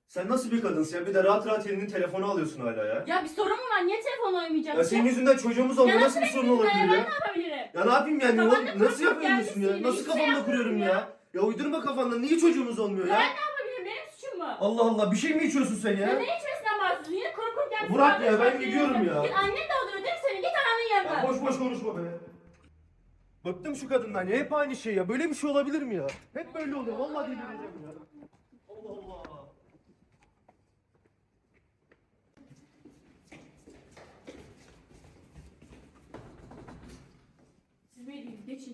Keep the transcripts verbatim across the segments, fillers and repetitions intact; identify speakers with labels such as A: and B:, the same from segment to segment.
A: Sen nasıl bir kadınsın ya? Bir de rahat rahat elinin telefonu alıyorsun hala ya.
B: Ya bir sorun mu var? Niye telefon oynayacaksın?
A: Ya senin yüzünden çocuğumuz olmuyor.
B: Ya
A: Nasıl bir sorun olabilir
B: Ben
A: ya?
B: ne yapabilirim?
A: Ya ne yapayım yani?
B: Kafanda
A: Oğlum, nasıl
B: kurup
A: yapıyorsun ya?
B: gelmişsin.
A: Nasıl
B: Hiçbir şey
A: kafamda kuruyorum ya?
B: yapmıyorum
A: ya? uydurma kafandan. Niye çocuğumuz olmuyor
B: Ben
A: ya?
B: ne yapabilirim? Benim suçum mu?
A: Allah Allah. Bir şey mi içiyorsun sen
B: Ya
A: ya?
B: ne içmesinden bahsediyorsun? Yine kuru kuru gelmişsin.
A: Bırak ya, ben
B: Kardeşim,
A: gidiyorum
B: seni-
A: ya.
B: Git annen de alıyor değil mi seni? Git annenin yanına.
A: Ya boş boş konuşma be. Bıktım şu kadından ya. Hep aynı şey ya. Böyle bir şey olabilir mi ya? Hep böyle oluyor. Vallahi delireceğim ya. Allah Allah.
B: Siz beydiniz. Geçin.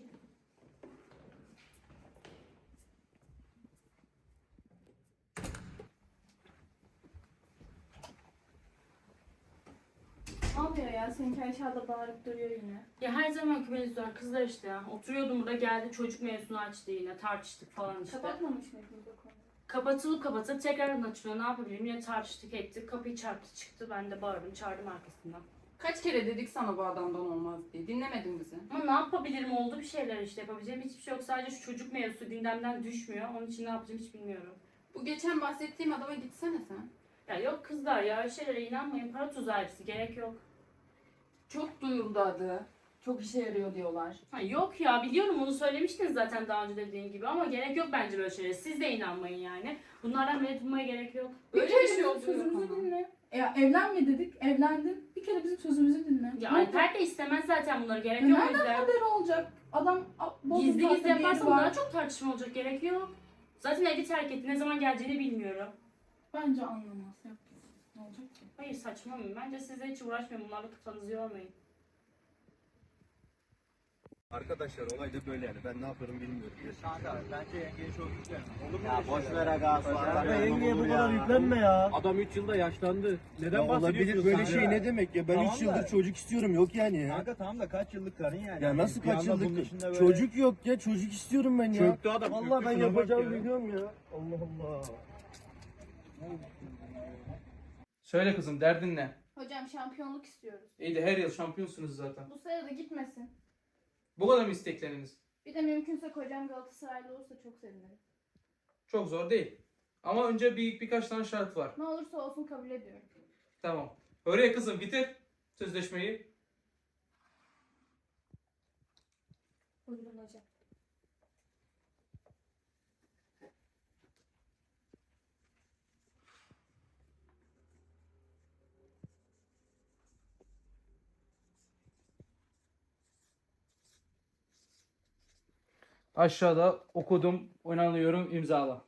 C: Ne yapıyor ya? Seninki aşağıda bağırıp duruyor yine.
B: Ya her zamanki mevzular kızlar işte ya. Oturuyordum burada geldi çocuk mevzusunu açtı yine tartıştık falan işte.
C: Kapatmamış mıydınız o konuyu?
B: Kapatılıp kapatılıp tekrardan açılıyor. Ne yapabilirim? Yine tartıştık ettik. Kapıyı çarptı çıktı. Ben de bağırdım çağırdım arkasından.
D: Kaç kere dedik sana bu adamdan olmaz diye. Dinlemedin bizi.
B: Ama ne yapabilirim? Oldu bir şeyler işte. Yapabileceğim hiçbir şey yok. Sadece şu çocuk mevzusu gündemden düşmüyor. Onun için ne yapacağım hiç bilmiyorum.
D: Bu geçen bahsettiğim adama gitsene sen.
B: Ya yok kızlar ya öyle şeylere inanmayın. Para tuzağı hepsi. Gerek yok.
D: Çok duyuldu adı. Çok işe yarıyor diyorlar.
B: Ha, yok ya biliyorum onu söylemiştiniz zaten daha önce dediğim gibi ama gerek yok bence böyle şeylere. Siz de inanmayın yani. Bunlardan medet ummaya gerek yok.
D: Öyle
C: kere
D: bir şey
C: bizim
D: oluyor
C: sözümüzü
D: ama.
C: dinle. Ya evlenme dedik, evlendin. Bir kere bizim sözümüzü dinle.
B: Ya
C: Ne oldu?
B: Alper de istemez zaten bunları. Gerek
C: Ya
B: yok o
C: nereden
B: yüzden.
C: haber olacak? Adam a, bozuk
B: Gizli
C: tatlı
B: gizli
C: bir yeri
B: yaparsam
C: var.
B: daha çok tartışma olacak. Gerek yok. Zaten evi terk etti. Ne zaman geleceğini bilmiyorum.
C: Bence anlamaz. Yap. Ne olacak ki?
B: Hayır saçmalamayın. Bence size hiç uğraşmayın. Bunlarla kafanızı yormayın.
A: Arkadaşlar olay da böyle yani. Ben ne yaparım bilmiyorum.
E: Kanka bence yengeye çok yüklenme. Olur mu?
F: Ya
E: öyle
F: boş
E: şeyler?
F: ver aga.
E: Kanka,
A: yengeye bu kadar yüklenme ya.
E: Adam üç yılda yaşlandı. Neden
A: Ya olabilir
E: bahsediyorsun
A: böyle
E: sen
A: şey
E: ya?
A: ne demek ya? Ben
E: Tamam
A: üç yıldır
E: da-
A: çocuk istiyorum yok yani ya.
F: Kanka tamam da kaç yıllık karın yani.
A: Ya nasıl
F: Bir
A: kaç
F: anda bunun
A: yıllık?
F: içinde böyle-
A: Çocuk yok ya. Çocuk istiyorum ben ya.
E: Çöktü adam,
A: Vallahi
E: çöktü,
A: ben
E: şuna bak
A: yapacağımı
E: ya.
A: biliyorum ya. Allah Allah.
G: Söyle kızım derdin ne?
C: Hocam şampiyonluk istiyoruz.
G: İyi de her yıl şampiyonsunuz zaten.
C: Bu sene de gitmesin.
G: Bu kadar mı istekleriniz?
C: Bir de mümkünse kocam Galatasaraylı olursa çok sevinirim.
G: Çok zor değil. Ama önce bir birkaç tane şart var.
C: Ne olursa olsun kabul ediyorum.
G: Tamam. Oraya kızım bitir sözleşmeyi.
C: Buyurun hocam.
G: Aşağıda okudum, onaylıyorum, imzala.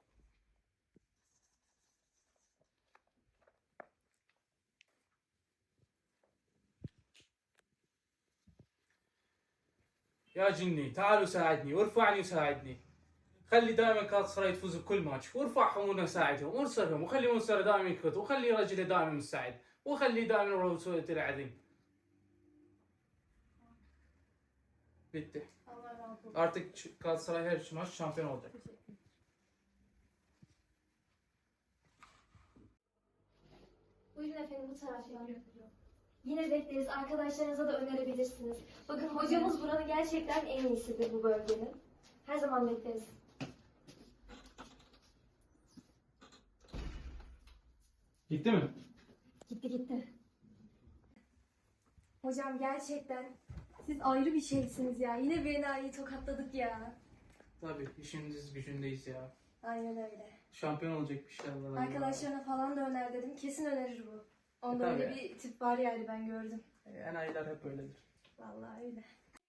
G: يا جني تعالوا ساعدني وارفعني وساعدني. خلي دائما كالاتسراي تفوز بكل ماتش وارفعهم وساعدهم وانصرهم وخلي منصر دائما يكت وخلي رجلي دائما مستعد وخلي دائما رسولة العظيم. Bitti.
C: Allah razı olsun.
G: Artık Galatasaray her maç şampiyon olacak.
H: Buyurun efendim bu taraftan. Yine bekleriz. Arkadaşlarınıza da önerebilirsiniz. Bakın hocamız buranın gerçekten en iyisidir bu bölgenin. Her zaman bekleriz.
G: Gitti mi?
H: Gitti gitti. Hocam gerçekten siz ayrı bir şeysiniz ya. Yine Bena'yı tokatladık ya.
G: Tabii işimiz gücündeyiz ya.
H: Aynen öyle.
G: Şampiyon olacak inşallah.
H: Arkadaşlarına falan da öner dedim. Kesin önerir bu. Onda
G: E,
H: öyle
G: tabii.
H: bir tip var yani ben gördüm.
G: Enayiler hep öyledir.
H: Vallahi öyle.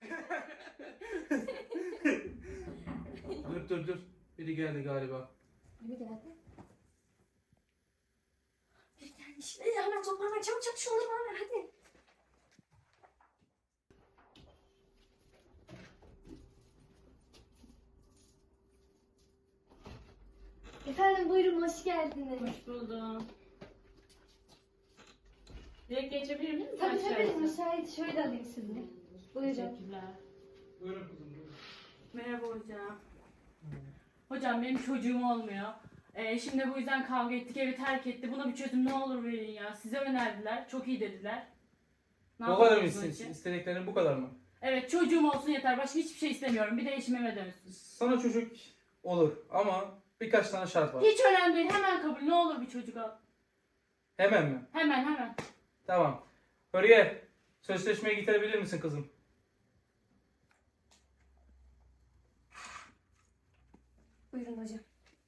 G: Dur dur dur. Biri geldi galiba.
H: Değil mi geldi? Bir gelmiş. Hadi hemen toparlan. Çabuk çabuk şunları bana ver hadi. Efendim buyurun hoş geldiniz.
B: Hoş buldum. Direkt geçebilir miyim?
H: Tabii tabii müsait. Şöyle alayım sizi. Buyurun.
B: Teşekkürler.
G: Buyurun kızım buyurun.
B: Merhaba hocam. Hocam benim çocuğum olmuyor. Ee, şimdi bu yüzden kavga ettik, evi terk etti. Buna bir çözüm ne olur verin ya. Size önerdiler, çok iyi dediler. Ne
G: Bu kadar mı
B: yapıyorsunuz bunun
G: iste-
B: için?
G: istediklerin bu kadar mı?
B: Evet çocuğum olsun yeter. Başka hiçbir şey istemiyorum. Bir de eşim eve dönsün.
G: Sana çocuk olur ama Birkaç tane şart var.
B: Hiç önemli değil. Hemen kabul. Ne olur bir çocuk al.
G: Hemen mi?
B: Hemen hemen.
G: Tamam. Hürriye, sözleşmeyi getirebilir misin kızım?
H: Buyurun hocam.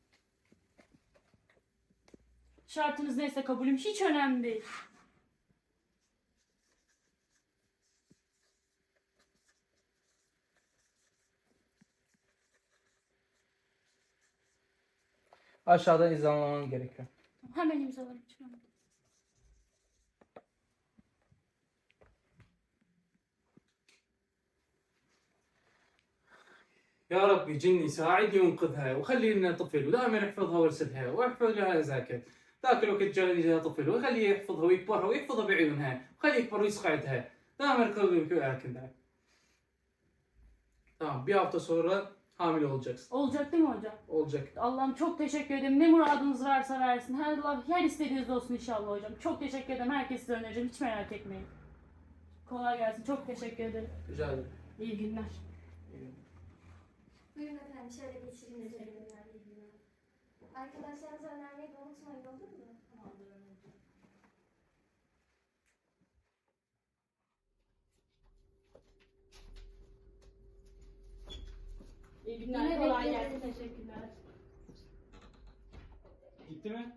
B: Şartınız neyse kabulüm. Hiç önemli değil.
G: Aşağıdan imzalaman gerekiyor.
B: Hemen imzalarım. Hiç önemli değil.
G: يا ربي جني ساعدني وانقذها وخلي لنا طفل ودائما احفظها وارسلها واحفظ لها زاكت ذاك الوقت جاني جاها طفل وخليه يحفظها ويكبرها ويحفظها بعيونها وخليه يكبر ويسقعدها دائما كل هكذا. Tamam, bir hafta sonra hamile olacaksın.
B: Olacak değil mi hocam?
G: Olacak.
B: Allah'ım çok teşekkür ederim. Ne muradınız varsa versin. Her Allah her istediğiniz olsun inşallah hocam. Çok teşekkür ederim. Herkes size önereceğim. Hiç merak etmeyin. Kolay gelsin. Çok teşekkür ederim.
G: Rica ederim.
B: İyi günler.
H: Buyurun efendim, şöyle geçireyim üzerinden bilgileri. Arkadaşlarınıza önermeyi de unutmayın, olur mu?
B: İyi günler.
H: Yine
B: Kolay
H: bekleriz.
B: gelsin. Teşekkürler.
G: Gitti mi?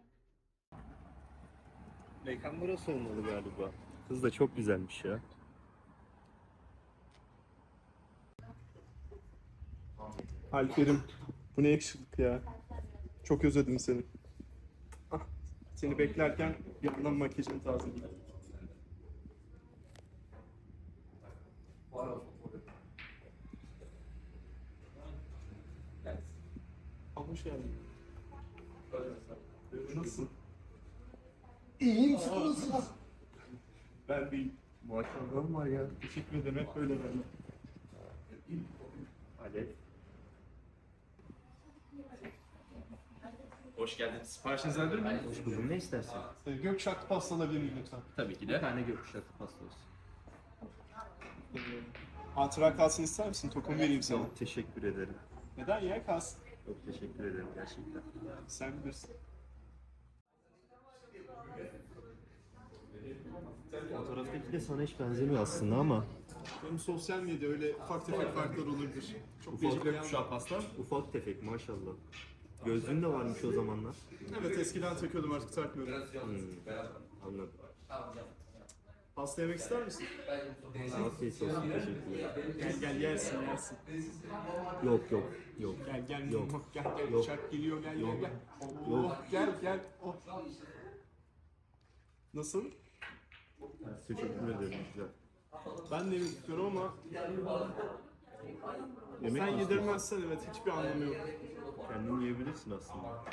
A: Mekan burası olmalı galiba. Kız da çok güzelmiş ya.
F: Alper'im, bu ne yakışıklık ya. Çok özledim seni. Ah, seni beklerken bir yandan makyajını tazeledim. Ah, hoş geldin. Nasılsın?
A: İyiyim, siz nasılsınız?
F: Ben bir
A: Maşallahım var ya.
F: teşekkür ederim, hep böyle ben.
A: Alev.
I: Hoş geldiniz. Siparişinizi alabilir miyim?
A: Hoş buldum. Ne istersin?
F: Ee, Gökşartlı pasta alabilir miyim lütfen?
I: Tabii ki
A: Bir
I: de.
A: tane gökkuşaklı pasta olsun.
F: Ee, hatıra kalsın ister misin? Tokum vereyim sana.
A: Çok teşekkür ederim.
F: Neden ya? Kalsın.
A: Çok teşekkür ederim gerçekten.
F: Sen bilirsin.
A: Fotoğraftaki de sana hiç benzemiyor aslında ama.
F: Benim sosyal medya öyle ufak tefek farklar olabilir. Çok
A: Ufak
F: değişik bir
I: Gökkuşağı pasta.
A: Ufak tefek maşallah. Gözlüğün de varmış o zamanlar.
F: Evet, eskiden takıyordum, artık takmıyorum.
A: Hmm, anladım.
F: Pasta yemek ister misin?
A: Afiyet olsun, teşekkürler.
F: Gel gel, yersin yersin.
A: Yok yok yok.
F: Gel gel,
A: Yok.
F: gel gel,
A: Yok.
F: uçak geliyor, gel
A: Yok.
F: gel gel. Oh,
A: Yok.
F: gel gel. Oh. Nasıl?
A: Teşekkür ederim güzel.
F: Ben de yemek istiyorum ama
A: Yemek
F: sen
A: mi
F: yedirmezsen evet hiçbir anlamı yok.
A: istiyorsun? Kendin yiyebilirsin aslında.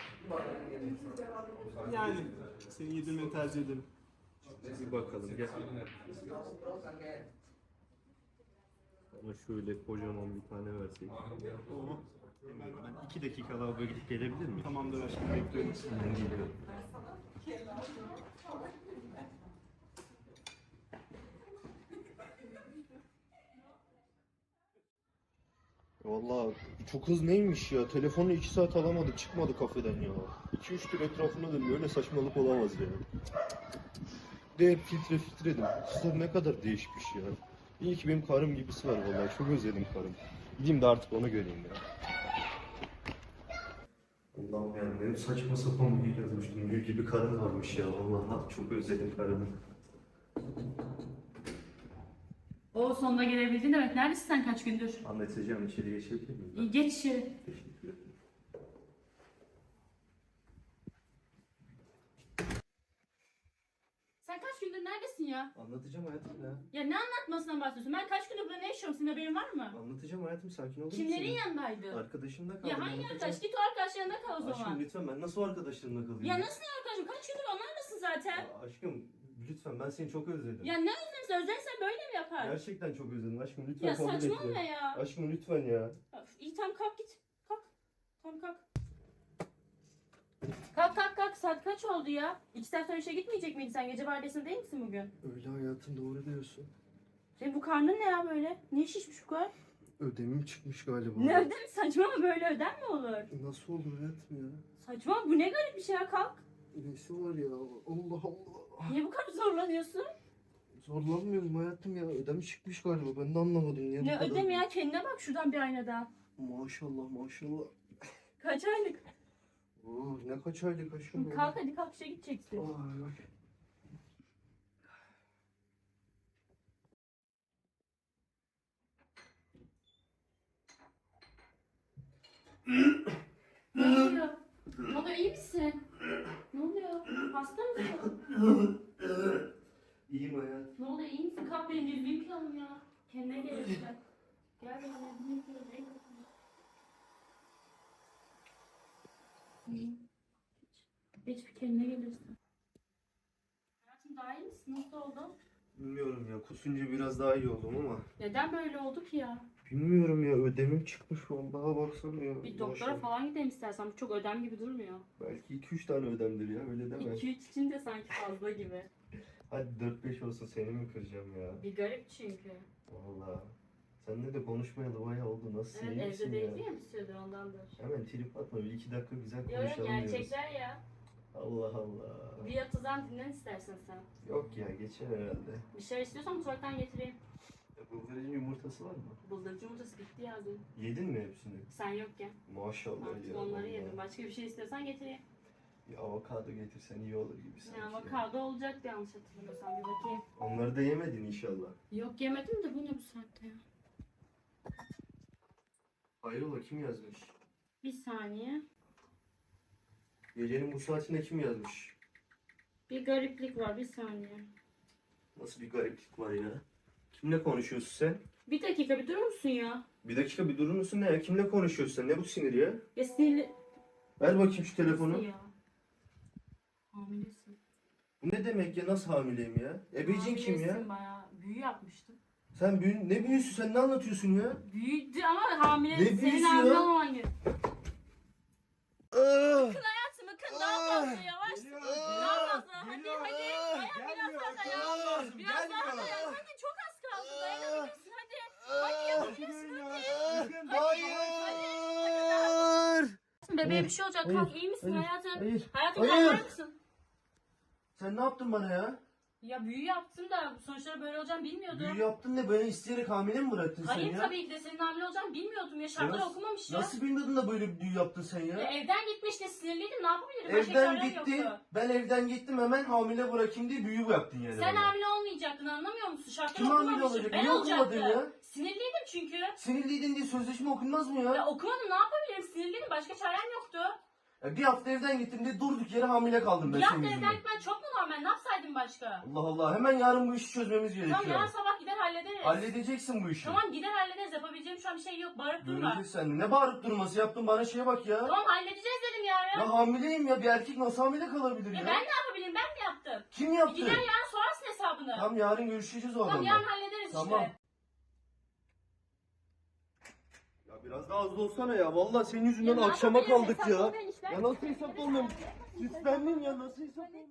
F: Yani seni yedirmeni tercih ederim.
A: Bir bakalım gel. Ama şöyle kocaman bir tane verseydik.
F: Oh. Hemen
A: Ben iki dakika lavaboya gidip gelebilir miyim?
F: tamamdır aşkım, bekliyorum.
A: Ben geliyorum. Vallahi çok hız neymiş ya? Telefonu iki saat alamadık, çıkmadı kafeden ya. iki üç tur etrafına dönüyor, öyle saçmalık olamaz ya. De hep filtre filtre dedim. Kızlar ne kadar değişmiş ya. İyi ki benim karım gibisi var vallahi, çok özledim karım. Gideyim de artık onu göreyim ya. Allah'ım yani benim saçma sapan bir yazmıştım. Gül gibi karım varmış ya. Vallahi çok özledim karımı.
B: O sonunda gelebildin demek. Neredesin sen kaç gündür?
A: Anlatacağım, içeri geçebilir miyim?
B: İyi, geç içeri.
A: Teşekkür ederim.
B: Sen kaç gündür neredesin ya?
A: Anlatacağım hayatım ya.
B: Ya ne anlatmasından bahsediyorsun? Ben kaç gündür burada ne yaşıyorum? Senin haberin var mı?
A: Anlatacağım hayatım, sakin olur
B: Kimlerin
A: musun?
B: yanındaydı?
A: Arkadaşımda kaldım.
B: Ya hangi
A: anlatacağım.
B: arkadaş? Git o arkadaş yanında kal o
A: Aşkım
B: zaman.
A: lütfen, ben nasıl o arkadaşlarımla kalayım?
B: Ya nasıl arkadaşım? Kaç gündür onlarlasın zaten.
A: Ya aşkım lütfen, ben seni çok özledim.
B: Ya ne özlemsin? Özlersen böyle mi yapar?
A: Gerçekten çok özledim aşkım, lütfen
B: Ya
A: kabul et
B: saçmalama ya.
A: Aşkım lütfen ya.
B: Öf, İyi tamam kalk git. Kalk. Tamam kalk. Kalk kalk kalk. Saat kaç oldu ya? İki saat sonra işe gitmeyecek miydin sen? Gece vardiyasında değil misin bugün?
A: Öyle hayatım, doğru diyorsun.
B: Senin bu karnın ne ya böyle? Niye şişmiş bu kadar?
A: Ödemim çıkmış galiba.
B: Ne ödem saçma mı, böyle ödem mi olur?
A: Nasıl olur hayatım ya?
B: Saçma, bu ne garip bir şey ya, kalk.
A: Nesi var ya? Allah Allah.
B: Niye bu kadar zorlanıyorsun?
A: Zorlanmıyorum hayatım ya. Ödem çıkmış galiba. Ben de anlamadım niye bu
B: Ne
A: kadar.
B: ödem ya, kendine bak şuradan bir aynadan.
A: Maşallah maşallah.
B: Kaç aylık?
A: Oo, ne kaç aylık aşkım ya.
B: Kalk hadi, kalk, işe gideceksin.
A: Ay, ay.
B: Ne oluyor? Ne oluyor, iyi misin? Ne oluyor? Hasta mısın?
A: İyiyim hayatım.
B: Ne oluyor, iyi misin? Kalk, benim yüzümü yıkayalım ya. Kendine gel işte. Gel benim yüzümü yıkayalım. Geç bir kendine gelirsin. Hayatım, daha iyi misin? Nasıl oldu?
A: Bilmiyorum ya. Kusunca biraz daha iyi oldum ama.
B: Neden böyle oldu ki ya?
A: Bilmiyorum ya. Ödemim çıkmış. Vallahi baksana ya.
B: Bir doktora
A: Maşallah.
B: falan gidelim istersen. Bu çok ödem gibi durmuyor.
A: Belki iki üç tane ödemdir ya. Öyle deme.
B: iki üç için de sanki fazla gibi.
A: Hadi dört beş olsun. Seni mi kıracağım ya?
B: Bir garip çünkü.
A: Vallahi. Seninle de konuşmayalı bayağı oldu. Nasılsın?
B: Evet,
A: iyi
B: evde
A: misin
B: değildi
A: ya?
B: ya bir süredir, ondandır.
A: Hemen trip atma. Bir iki dakika güzel
B: Yok yok,
A: konuşalım diyoruz.
B: gerçekler ya.
A: Allah Allah.
B: Bir yatıdan dinlen istersen sen.
A: Yok ya geçer herhalde.
B: Bir şey istiyorsan mutfaktan getireyim.
A: Ya, bıldırcın yumurtası var mı?
B: Bıldırcın yumurtası bitti ya dün.
A: Yedin mi hepsini?
B: Sen yokken.
A: Maşallah
B: Artık
A: ya.
B: onları
A: vallahi.
B: yedim. Başka bir şey istiyorsan getireyim.
A: Bir avokado getirsen iyi olur gibi sanki.
B: Ne
A: ya.
B: avokado olacaktı yanlış hatırlamıyorsam, bir bakayım.
A: Onları da yemedin inşallah.
B: Yok yemedim de, bu ne bu saatte ya?
A: Hayrola kim yazmış?
B: Bir saniye.
A: Gecenin bu saatinde kim yazmış?
B: Bir gariplik var, bir saniye.
A: Nasıl bir gariplik var ya? Kimle konuşuyorsun sen?
B: Bir dakika, bir durur musun ya?
A: Bir dakika bir durur musun ne ya? Kimle konuşuyorsun sen? Ne bu sinir ya?
B: Ya sinirli...
A: Ver bakayım şu telefonu.
B: Nasıl ya? Hamilesin.
A: Bu ne demek ya? Nasıl hamileyim ya? Ebecin kim ya?
B: Hamilesin bayağı. Büyü yapmıştım.
A: Sen büyü... ne büyüsü? Sen ne anlatıyorsun ya?
B: Büyüdü ama hamile.
A: Ne
B: Senin
A: büyüsü
B: hamile
A: ya?
B: olman gerek. Kın hayatımı, kın daha fazla yavaş. Daha fazla. Hadi hadi. Dayan biraz daha dayan. Biraz daha dayan. Hadi çok az kaldı. Dayanabilirsin hadi. Hadi yapabilirsin hadi.
A: Hayır!
B: Bebeğe bir şey olacak.
A: Hayır,
B: Kalk, iyi misin
A: hayır,
B: hayatım?
A: hayır,
B: Hayatım,
A: hayır.
B: kalkar mısın?
A: Sen ne yaptın bana ya?
B: Ya büyü yaptım da sonuçları böyle olacağını bilmiyordum.
A: Büyü yaptın da beni isteyerek hamile mi bıraktın sen
B: Hayır
A: ya?
B: tabii ki de senin hamile olacağını bilmiyordum ya. Şartları
A: Nasıl-
B: okumamış ya.
A: Nasıl bilmiyordun da böyle bir büyü yaptın sen ya?
B: Ya evden gitmiş de sinirliydim. Ne yapabilirim? Başka
A: Evden
B: çarem
A: gitti,
B: yoktu.
A: ben evden gittim hemen hamile bırakayım diye büyü yaptın yani.
B: Sen
A: bana.
B: hamile olmayacaktın, anlamıyor musun? Şartları
A: Kim hamile
B: okumamışım.
A: olacak?
B: Ben
A: Niye okumadın
B: olacaktım.
A: ya?
B: Sinirliydim çünkü.
A: Sinirliydin diye sözleşme okunmaz mı ya?
B: Ya okumadım, ne yapabilirim? Sinirliydim. Başka çarem yoktu.
A: Ya bir hafta evden gittim diye durduk yere hamile kaldım ben
B: Bir
A: senin
B: hafta
A: yüzünden.
B: evden gitmen çok mu normal? Ne yapsaydım başka?
A: Allah Allah, hemen yarın bu işi çözmemiz gerekiyor.
B: Tamam, yarın sabah gider hallederiz.
A: Halledeceksin bu işi.
B: Tamam, gider hallederiz. Yapabileceğim şu an bir şey yok. Bağırıp durma.
A: Göreceğiz sen. Ne bağırıp durması yaptın bana, şeye bak ya.
B: Tamam, halledeceğiz dedim yarın.
A: Ya hamileyim ya, bir erkek nasıl hamile kalabilir
B: Ya
A: ya?
B: ben ne yapabilirim? Ben mi yaptım?
A: Kim
B: Bir
A: yaptı?
B: gider yarın sorarsın hesabını.
A: Tamam yarın görüşeceğiz o
B: Tamam,
A: adamla.
B: yarın hallederiz
A: Tamam.
B: işte.
A: Ya biraz daha hızlı olsana ya. Vallahi senin yüzünden
B: Ya ne
A: akşama
B: yapabilirim?
A: kaldık
B: Hesap
A: ya.
B: olmayan işler.
A: Ya nasıl hesap olmuyor? Süslendin ya, nasıl hesap olmuyor?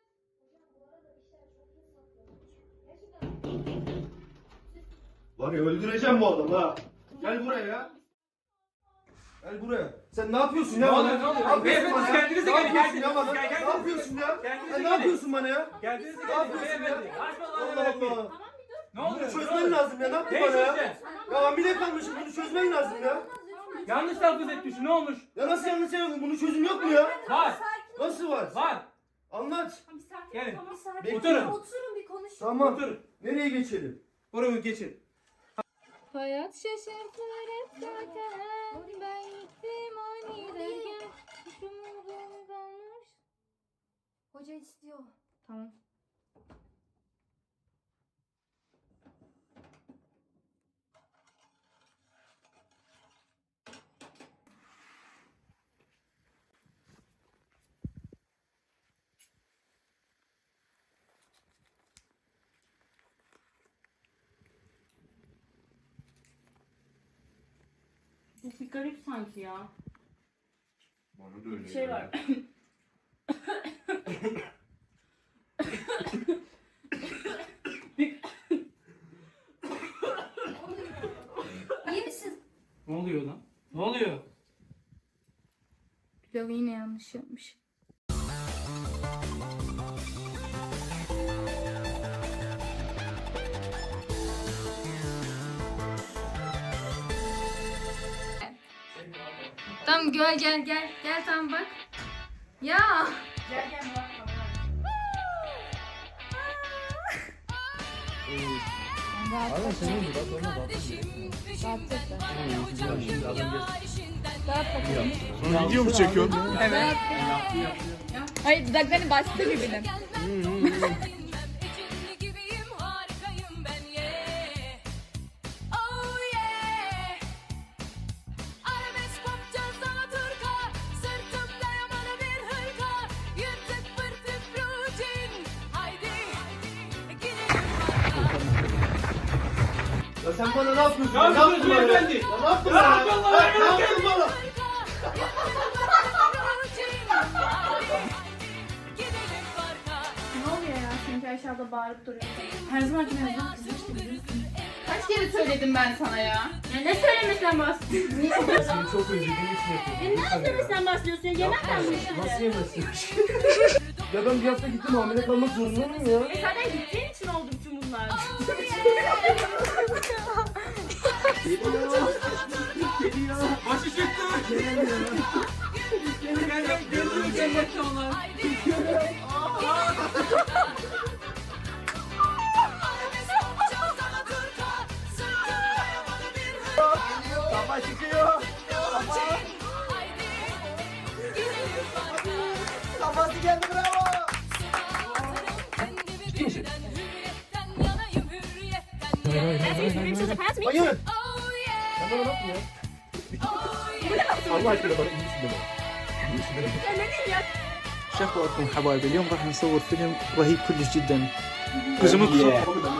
A: Var ya öldüreceğim bu adamı ha. Gel buraya ya. Gel buraya. Sen ne yapıyorsun ya
G: Ne
A: bana?
G: oluyor, ne oluyor?
A: yapıyorsun
G: Beyefendi,
A: bana?
G: kendinize
A: Ne
G: gelin,
A: yapıyorsun
G: kendinize-
A: ya bana?
G: Gel,
A: Ne
G: kendinize
A: yapıyorsun ya?
G: Kendinize
A: Ya ne
G: gelin.
A: yapıyorsun bana ya?
G: Geldiniz
A: Ne
G: gelin.
A: yapıyorsun
G: Beyefendi.
A: ya?
G: Açma lan
A: Allah
G: beyefendi.
A: Allah.
G: Ne
A: Bunu
G: oluyor? Ne
A: çözmen
G: oluyor?
A: lazım ya. Ne yaptın
G: Ne
A: bana ya?
G: çözeceksin?
A: Ya hamile kalmışım. Bunu çözmen lazım ya.
G: Yanlış telaffuz etmişsin. Ne olmuş?
A: Ya nasıl yanlış yapıyorsun? Bunun çözüm yok mu ya?
G: Var.
A: Nasıl var?
G: Var.
A: Anlat.
B: Tamam, bir sakin.
G: Gelin.
B: Tamam, sakin.
A: Bekle.
G: Oturun.
H: Oturun bir konuşun.
A: Tamam.
G: Otur.
A: Nereye geçelim?
G: Buraya geçin.
J: Hayat şaşırtır hep zaten. Ben gittim aniden. Hiç umudum kalmış.
H: Hoca istiyor.
J: Tamam.
B: Bu bir garip sanki ya.
A: Bana da öyle.
B: Bir şey var.
H: İyi misin
G: Ne oluyor lan? Ne oluyor?
J: Pilavı yine yanlış yapmış. Tamam gel gel gel. Gel tamam bak. Ya.
D: Gel gel Murat kamera.
A: Aynen senin gibi bak ona bak.
F: Video mu çekiyorsun?
J: Evet. Hayır dudaklarını bastı birbirine.
A: Ya sen bana ne yapıyorsun?
G: Ne yapıyorsun
A: bana?
G: beyefendi?
A: Ya ne yaptın
G: Ne
A: bana?
G: yapıyorsun lan?
A: Ya Ne yaptın bana?
C: Ne oluyor ya? Çünkü aşağıda bağırıp duruyor. Her zaman ki her zaman kızmıştım biliyorsun.
D: Kaç kere söyledim ben sana ya?
B: Ya ne söylemesinden bahsediyorsun?
A: Seni çok özlediğim için yapıyorum.
B: Ne söylemesinden bahsediyorsun? Yemekten mi
A: Nasıl
B: işleri?
A: yemezsin? Ya ben bir hafta gittim hamile kalmak zorunda mıyım ya?
B: E zaten gittiğin için oldu bütün bunlar.
G: Başı çıktı. Gel gel gel. Gözünü cennetle onlar.
A: Kafa çıkıyor. Kafası geldi bravo. Ciddi misin? Hayır. Sen bana ne yaptın ya? Allah aşkına bana iyi misin deme.
E: شو اخباركم حبايبي؟ اليوم راح نصور فيلم رهيب كلش جدا. Gözümü kısıp.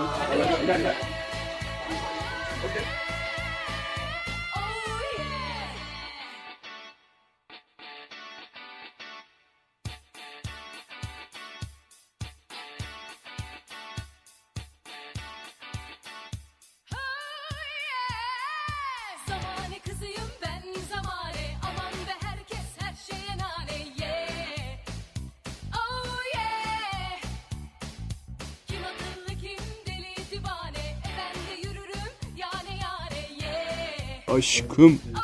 B: Zamane kızıyım ben zamane. Aman ve herkes her şeye nane. Yeah. Oh yeah. Kim akıllı kim deli divane. E ben de yürürüm yane yane. Yeah.
F: Aşkım.